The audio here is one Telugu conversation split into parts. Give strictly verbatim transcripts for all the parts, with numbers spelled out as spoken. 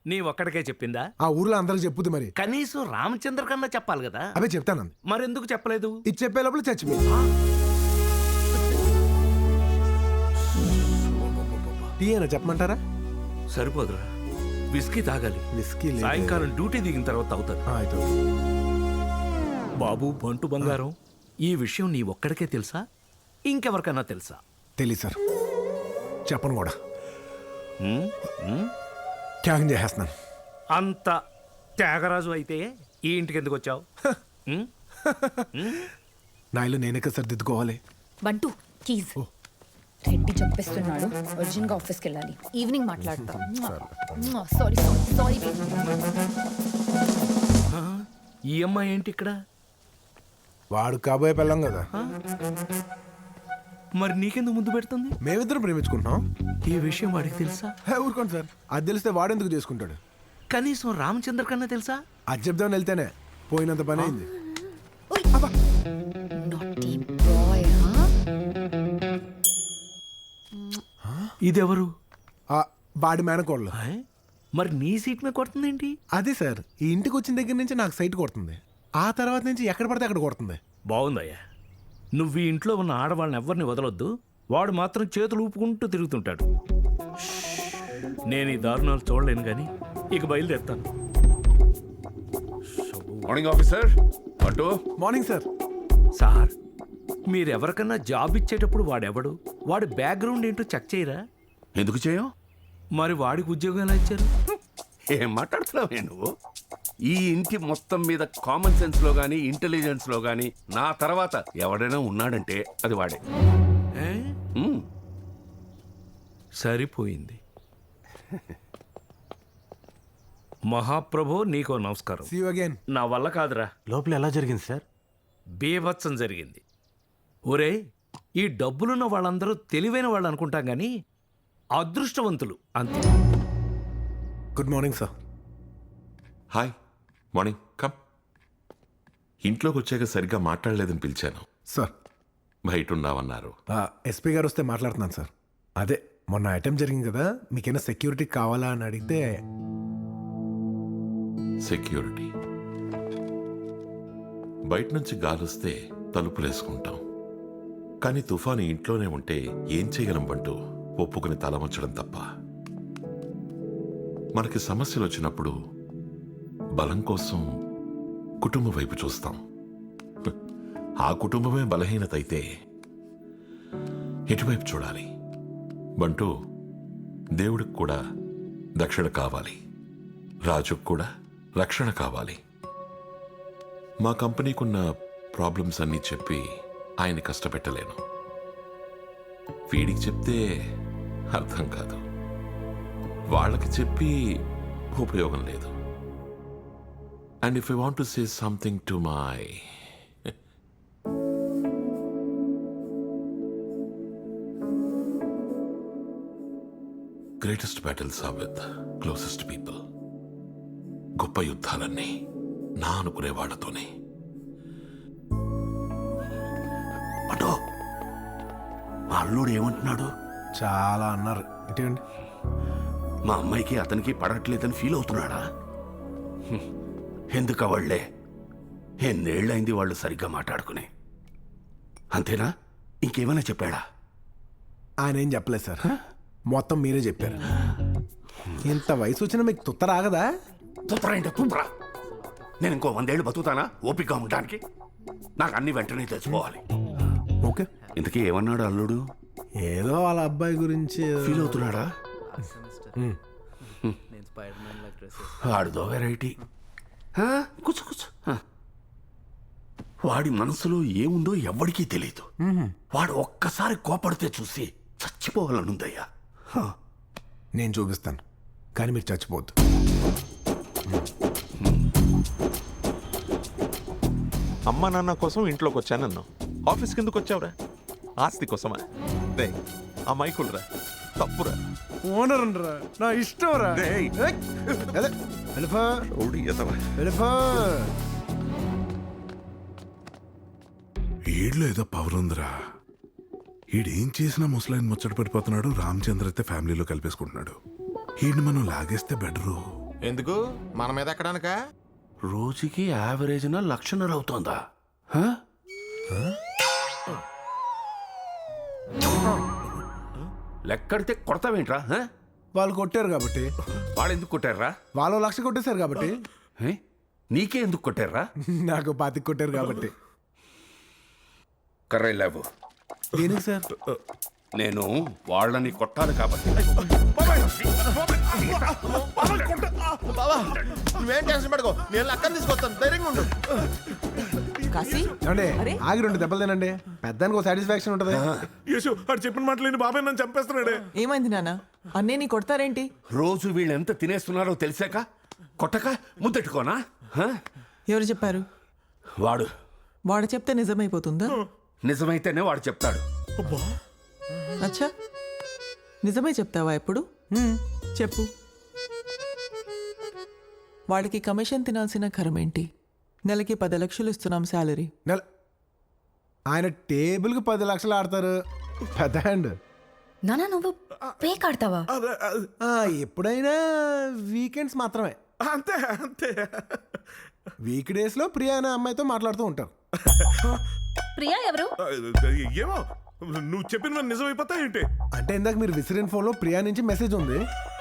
నీ ఒక్కడికే చెప్పిందా? ఆ ఊర్లో అందరికి చెప్పుద్ది మరి. కనీసం రామచంద్ర కన్నా చెప్పాలి కదా. అవే చెప్తాను. మరెందుకు చెప్పలేదు? ఇది చెప్పే లోపల చచ్చిపోయింది. టీ అయినా చెప్పమంటారా? సరిపోదురా, విస్కీ తాగాలి. విస్కీ సాయంకాలం డ్యూటీ దిగిన తర్వాత అవుతుంది. బాబు బంటు బంగారం, ఈ విషయం నీ ఒక్కడికే తెలుసా, ఇంకెవరికైనా తెలుసా? తెలీదు సార్, చెప్పను కూడా. ఉమ్, ఉమ్. త్యాగం చేసేస్తున్నాను. అంత త్యాగరాజు అయితే ఈ ఇంటికి ఎందుకు వచ్చావు? నా ఇల్లు నేనే కదా సార్ దిద్దుకోవాలి. బంటు కీజ్. రెడ్డి చంపేస్తున్నాడు, అర్జెంట్ గా ఆఫీస్కి వెళ్ళాలి. ఈవినింగ్ మాట్లాడతా. Sorry sorry. ఈ అమ్మాయి ఏంటి ఇక్కడ? వాడు కాబోయే పెళ్ళం కదా. మరి నీకెందుకు ముందు పెడుతుంది? మేమిద్దరం ప్రేమించుకుంటున్నాం. ఈ విషయం వాడికి తెలుసా? ఊరుకోండి సార్, అది తెలిస్తే వాడెందుకు చేసుకుంటాడు? కనీసం రామచంద్ర కన్నా తెలుసా? అది చెప్దామని వెళ్తేనే పోయినంత పని అయింది. ఇదెవరు? వాడి మేనకోళ్ళు. మరి నీ సీట్ మీద కొడుతుందేంటి? అదే సార్, ఈ ఇంటికి వచ్చిన దగ్గర నుంచి నాకు సైట్ కొడుతుంది. ఆ తర్వాత నుంచి ఎక్కడ పడితే అక్కడ కొడుతుంది. బాగుందయ్యా, నువ్వు ఈ ఇంట్లో ఉన్న ఆడవాళ్ళని ఎవరిని వదలొద్దు. వాడు మాత్రం చేతులు ఊపుకుంటూ తిరుగుతుంటాడు. నేను ఈ దారుణాలు చూడలేను కానీ ఇక బయలుదేరుతాను. Morning officer. అటు మార్నింగ్ సార్. సార్, మీరెవరికన్నా జాబ్ ఇచ్చేటప్పుడు వాడెవడు, వాడి బ్యాక్గ్రౌండ్ ఏంటో చెక్ చేయరా? ఎందుకు చేయం? మరి వాడికి ఉద్యోగం ఎలా ఇచ్చారు? ఏం మాట్లాడుతున్నావే నువ్వు? ఈ ఇంటి మొత్తం మీద కామన్ సెన్స్ లో గానీ ఇంటెలిజెన్స్ లో గానీ నా తర్వాత ఎవడైనా ఉన్నాడంటే అది వాడే. ఏ? ఉమ్. సరిపోయింది. మహాప్రభో, నీకో నమస్కారం. See you again. నా వల్ల కాదురా. లోపల ఎలా జరిగింది సార్? బీభత్సం జరిగింది. ఒరే, ఈ డబ్బులున్న వాళ్ళందరూ తెలివైన వాళ్ళు అనుకుంటాం కానీ అదృష్టవంతులు అంతే. Good morning sir. Hi, morning. Come. ఇంట్లోకి వచ్చాక సరిగ్గా మాట్లాడలేదని పిలిచాను. సార్, బయట ఉన్నావన్నారు. ఎస్పీ గారు వస్తే మాట్లాడుతున్నాను సార్. అదే మొన్న ఐటెం జరిగింది కదా, మీకేనా సెక్యూరిటీ కావాలా అని అడిగితే. సెక్యూరిటీ? బయట నుంచి గాలొస్తే తలుపులేసుకుంటాం, కానీ తుఫాను ఇంట్లోనే ఉంటే ఏం చేయగలం బంటూ? ఒప్పుకుని తలవంచడం తప్ప. మనకి సమస్యలు వచ్చినప్పుడు బలం కోసం కుటుంబం వైపు చూస్తాం. ఆ కుటుంబమే బలహీనత అయితే ఎటువైపు చూడాలి? బంటూ, దేవుడికి కూడా దక్షిణ కావాలి, రాజుకు కూడా రక్షణ కావాలి. మా కంపెనీకున్న ప్రాబ్లమ్స్ అన్నీ చెప్పి ఆయన కష్టపెట్టలేను. వీడికి చెప్తే అర్థం కాదు, వాళ్ళకి చెప్పి ఉపయోగం లేదు. And if I want to say something to my greatest battles are with closest people. గొప్ప యుద్ధాలన్నీ నా అనుకునే వాళ్ళతోనే. అటో మా అల్లుడు ఏమంటున్నాడు? చాలా అన్నారు. ఇటండి, మా అమ్మాయికి అతనికి పడట్లేదని ఫీల్ అవుతున్నాడా? హ్మ్. ఎందుకు వాళ్ళే? ఎన్నేళ్ళైంది వాళ్ళు సరిగ్గా మాట్లాడుకుని. అంతేనా? ఇంకేమైనా చెప్పాడా? ఆయన ఏం చెప్పలేదు సార్, మొత్తం మీరే చెప్పారు. ఇంత వయసు వచ్చినా మీకు తుత్త రాగదా? తుత్తరా ఏంటో తుత్తరా? నేను ఇంకో వందేళ్ళు బతుకుతానా ఓపికగా ఉండడానికి? నాకు అన్ని వెంటనే తెలుసుకోవాలి. ఓకే. ఇంతకీ ఏమన్నాడు అల్లుడు? ఏదో వాళ్ళ అబ్బాయి గురించి ఫీల్ అవుతున్నాడా? వాడిదో వెరైటీ. కూర్చో కూర్చో. వాడి మనసులో ఏముందో ఎవ్వడికీ తెలియదు. వాడు ఒక్కసారి కోపడితే చూసి చచ్చిపోవాలనుందయ్యా. నేను చూపిస్తాను, కానీ మీరు చచ్చిపోవద్దు. అమ్మా నాన్న కోసం ఇంట్లోకి వచ్చానన్నావు, ఆఫీస్కి ఎందుకు వచ్చావురా? ఆస్తి కోసమా? రే, ఆ మైకులరా, తప్పురా. ఓనర్ రా, నా ఇష్టం రా. ఈడ్లో ఏదో పవర్ ఉందిరా. ఈడేం చేసినా ముసలాయన ముచ్చట పడిపోతున్నాడు. రామచంద్ర అయితే ఫ్యామిలీలో కలిపేసుకుంటున్నాడు. ఈడ్ని మనం లాగేస్తే బెటరు. ఎందుకు మన మీద ఎక్కడానికా? రోజుకి యావరేజ్న లక్షన్నర అవుతోందా? హ? లెక్కడితే కొడతావేంట్రా? హ? వాళ్ళు కొట్టారు కాబట్టి, వాడు ఎందుకు కొట్టారా? వాళ్ళు లక్ష కొట్టేశారు కాబట్టి, హే? నీకే ఎందుకు కొట్టారా? నాకు పాతికి కొట్టారు కాబట్టి. కర్రై లేవు. దేనికి సార్? నేను వాళ్ళని కొట్టాలి కాబట్టి. బావా నువ్వేం టెన్షన్ పడుకో, నేను అక్కని తీసుకొస్తాను, ధైర్యంగా ఉండు. కాశీ ఏమండి అరే. ఆగి రెండు దెబ్బలు తినండి, పెద్దానికి ఒక సాటిస్ఫాక్షన్ ఉంటుంది. యేసు వాడు చెప్పిన మాటలేని బాబాయ్ నన్ను చంపేస్తున్నాడే. ఏమైంది నాన్న? అన్నే నీ కొడతారేంటి? రోజు వీళ్ళు ఎంత తినేస్తున్నారో తెలిసాక కొట్టక ముద్దెట్టుకోనా? హ? ఎవరు చెప్పారు? వాడు వాడు చెప్తే నిజమైపోతుందా? నిజమైతేనే వాడు చెప్తాడు. అచ్చా, నిజమే చెప్తావా ఎప్పుడు? చెప్పు. వాడికి కమిషన్ తినాల్సిన కరమేంటి? నెలకి పది లక్షలు ఇస్తున్నాం శాలరీ. నెల ఆయన టేబుల్కి పది లక్షలు ఆడతారు, పెద్ద హ్యాండ్. నానా నువ్వు పేక్ ఆడతావా? ఆ, ఎప్పుడైనా వీకెండ్స్ మాత్రమే. అంతే అంతే. వీక్ డేస్ లో ప్రియా అనే అమ్మాయితో మాట్లాడుతూ ఉంటారు. ప్రియా ఎవరు? ఏమో నువ్వు చెప్పిన నిజమైపోతా ఏంటి? అంటే ఇందాక మీరు విసిరిన ఫోన్ లో ప్రియా నుంచి మెసేజ్ ఉంది,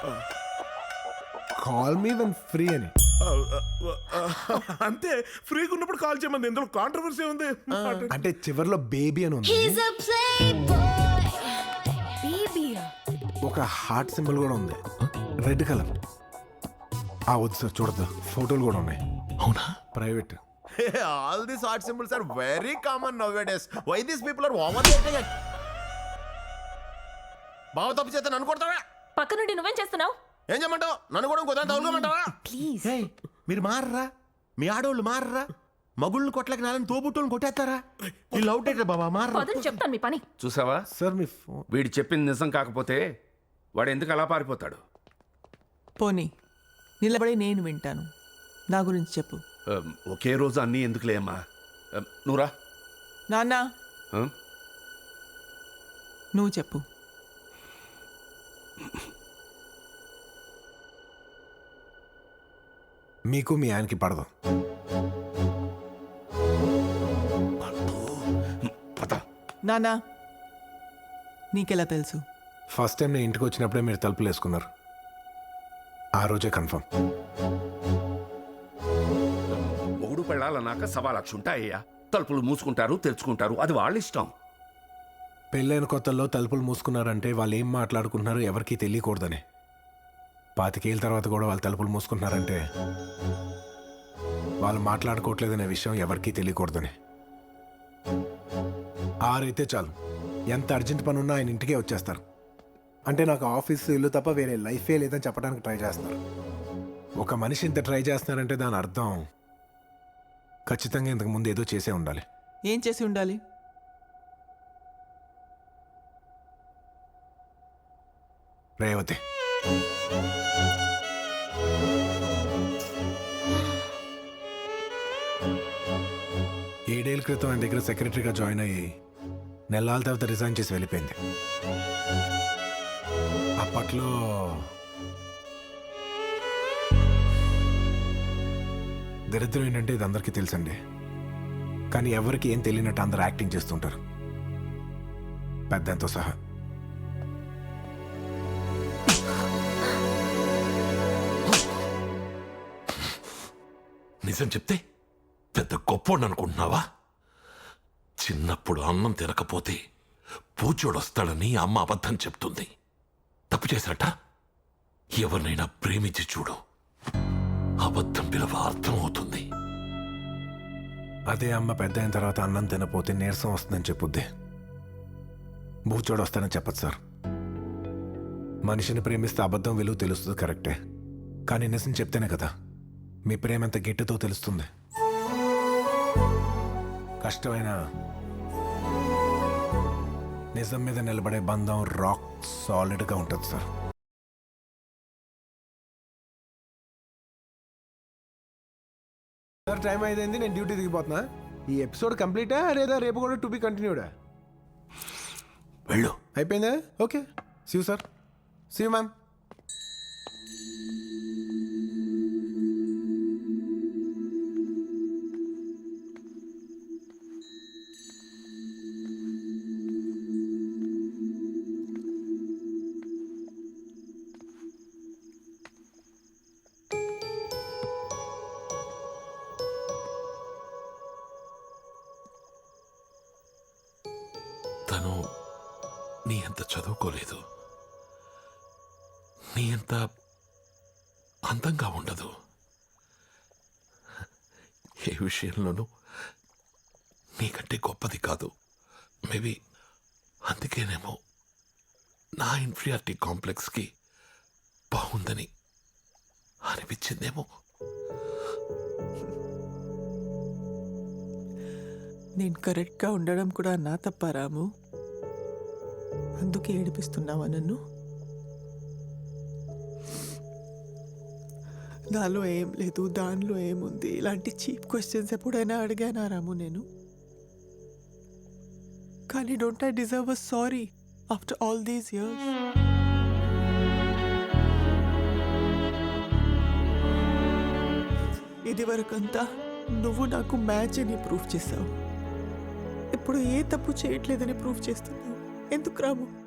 కాల్ మీ వెన్ ఫ్రీ అని. అంతే, ఫ్రీగా ఉన్నప్పుడు కాల్ చేయమంది, ఇందులో కాంట్రవర్సీ ఉంది. అంటే చివర్లో బేబీ అని ఉంది, ఒక హార్ట్ సింబల్ కూడా ఉంది, రెడ్ కలర్. ఆ వద్దు సార్, చూడద్దు, ఫోటోలు కూడా ఉన్నాయి. అవునా? Private. All these heart symbols are very common nowadays. Why these people are overreacting? బావ తప్పు చేస్తే నన్ను కొడతావా? పక్క నుండి నువ్వేం చేస్తున్నావు? ఏం చేయమంటావు? నన్ను కూడా ఇంకో దాని తగులుకోమంటావా? ప్లీజ్. ఏయ్, మీరు మారరా? మీ ఆడవాళ్ళు మారరా? మగుళ్ళని కొట్లకి నాలని తోబుట్టుని కొట్టేస్తారా? ఈ లవ్ డేట్ బాబా మారరా? పదని చెప్తాను మీ పని. చూసావా? సార్ మీ ఫోన్. వీడు చెప్పింది నిజం కాకపోతే వాడు ఎందుకు అలా పారిపోతాడు? పోనీ నిలబడి నేను వింటాను. నా గురించి చెప్పు. ఆ, ఒకే రోజు అన్నీ ఎందుకులే అమ్మా. ఆ, నువ్వురా. నాన్న ఆ? నువ్వు చెప్పు. మీకు మీ ఆయనకి పడదు. పద. నాన్న నీకెలా తెలుసు? ఫస్ట్ టైం నేను ఇంటికి వచ్చినప్పుడే మీరు తలుపులు వేసుకున్నారు, ఆ రోజే కన్ఫర్మ్. మొగుడు పెళ్ళాలన్నాక సవా లక్ష ఉంటాయ్యా. తలుపులు మూసుకుంటారు, తెరుచుకుంటారు, అది వాళ్ళ ఇష్టం. పెళ్ళైన కొత్తల్లో తలుపులు మూసుకున్నారంటే వాళ్ళు ఏం మాట్లాడుకుంటున్నారో ఎవరికీ తెలియకూడదని. పాతికేళ్ళ తర్వాత కూడా వాళ్ళు తలుపులు మూసుకుంటున్నారంటే వాళ్ళు మాట్లాడుకోవట్లేదనే విషయం ఎవరికీ తెలియకూడదని. ఆరైతే చాలు, ఎంత అర్జెంట్ పని ఉన్నా ఆయన ఇంటికే వచ్చేస్తారు. అంటే నాకు ఆఫీస్ ఇల్లు తప్ప వేరే లైఫే లేదని చెప్పడానికి ట్రై చేస్తున్నారు. ఒక మనిషి ఇంత ట్రై చేస్తున్నారంటే దాని అర్థం ఖచ్చితంగా ఇంతకు ముందు ఏదో చేసే ఉండాలి. ఏం చేసి ఉండాలి? రేవతి. ఏడేళ్ళ క్రితం ఆయన దగ్గర సెక్రటరీగా జాయిన్ అయ్యి నెలల తర్వాత రిజైన్ చేసి వెళ్ళిపోయింది. అప్పట్లో దరిద్రం ఏంటంటే ఇది అందరికీ తెలుసండి, కానీ ఎవరికి ఏం తెలియనట్టు అందరూ యాక్టింగ్ చేస్తుంటారు, పెద్దంతో సహా. నిజం చెప్తే పెద్ద గొప్పోడు అనుకుంటున్నావా? చిన్నప్పుడు అన్నం తినకపోతే పూచోడొస్తాడని అమ్మ అబద్ధం చెప్తుంది. తప్పు చేసినట్ట? ఎవరినైనా ప్రేమించి చూడు, అబద్ధం పిలవ అర్థం అవుతుంది. అదే అమ్మ పెద్ద అయిన తర్వాత అన్నం తినపోతే నీరసం వస్తుందని చెప్పుద్ది, బూచోడు వస్తానని చెప్పదు సార్. మనిషిని ప్రేమిస్తే అబద్ధం విలువ తెలుస్తుంది కరెక్టే, కానీ నిజం చెప్తేనే కదా మీ ప్రేమ ఎంత గట్టితో తెలుస్తుంది. కష్టమైన నిజం మీద నిలబడే బంధం రాక్ సాలిడ్గా ఉంటుంది సార్. సార్ టైం అయింది, నేను డ్యూటీ దిగిపోతున్నా. ఈ ఎపిసోడ్ కంప్లీటా లేదా రేపు కూడా టు బి కంటిన్యూడా? వెళ్ళు. అయిపోయిందా? Okay, see you sir. See you ma'am. నీ అంత చదువుకోలేదు, నీ అంత అందంగా ఉండదు. ఏ విషయంలోనూ నీకంటే గొప్పది కాదు. మేబీ అందుకేనేమో నా ఇన్ఫీరియారిటీ కాంప్లెక్స్కి బాగుందని అనిపించిందేమో. నేను కరెక్ట్గా ఉండడం కూడా నా తప్ప రాము. అందుకే ఏడిపిస్తున్నావా నన్ను? నాలో ఏం లేదు, దానిలో ఏముంది, ఇలాంటి చీప్ క్వశ్చన్స్ ఎప్పుడైనా అడిగానా రాము నేను? కానీ don't I deserve a sorry after all these years? ఇది వరకంతా నువ్వు నాకు మ్యాచ్ అని ప్రూవ్ చేసావు. ఇప్పుడు ఏ తప్పు చేయట్లేదని ప్రూవ్ చేస్తున్నావు. ఎందుకు రాము?